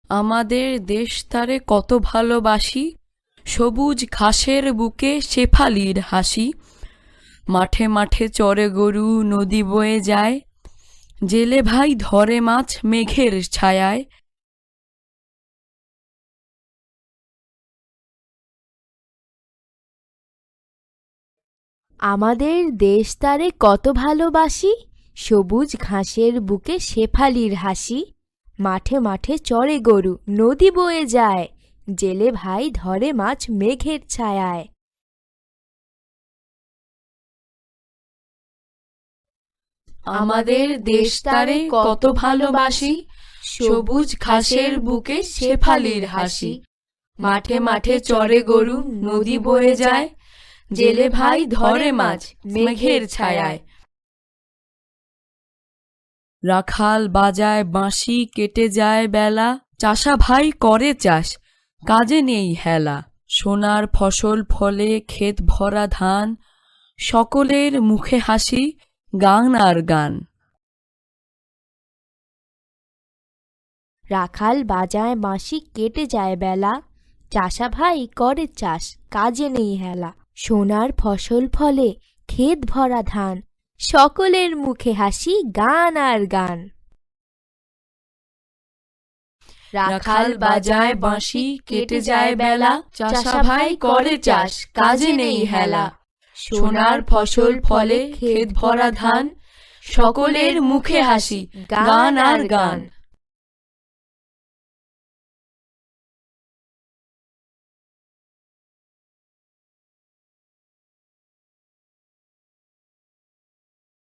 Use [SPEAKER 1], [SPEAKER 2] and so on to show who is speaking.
[SPEAKER 1] আমাদের দেশ তারে কত ভালোবাসি, সবুজ ঘাসের বুকে শেফালির হাসি। মাঠে মাঠে চরে গরু, নদী বয়ে যায়, জেলে ভাই ধরে মাছ মেঘের ছায়ায়।
[SPEAKER 2] আমাদের দেশ তারে কত ভালোবাসি, সবুজ ঘাসের বুকে শেফালির হাসি। মাঠে মাঠে চরে গরু, নদী বয়ে যায়, জেলে ভাই ধরে মাছ মেঘের ছায়ায়।
[SPEAKER 1] আমাদের দেশ তারে কত ভালোবাসি, সবুজ ঘাসের বুকে শেফালির হাসি। মাঠে মাঠে চরে গরু, নদী বয়ে যায়, জেলে ভাই ধরে মাছ মেঘের ছায়ায়। রাখাল বাজায় বাঁশি, কেটে যায় বেলা, চাষা ভাই করে চাষ, কাজে নেই হেলা। সোনার ফসল ফলে ক্ষেত ভরা ধান, সকলের মুখে হাসি, গান আর গান।
[SPEAKER 2] রাখাল বাজায় বাঁশি, কেটে যায় বেলা, চাষা ভাই করে চাষ, কাজে নেই হেলা। সোনার ফসল ফলে ক্ষেত ভরা ধান, সকলের মুখে হাসি, গান আর গান।
[SPEAKER 1] রাখাল বাজায় বাঁশি, কেটে যায় বেলা, চাষা ভাই করে চাষ, কাজে নেই হেলা। সোনার ফসল ফলে ক্ষেত ভরা ধান, সকলের মুখে হাসি, গান আর গান।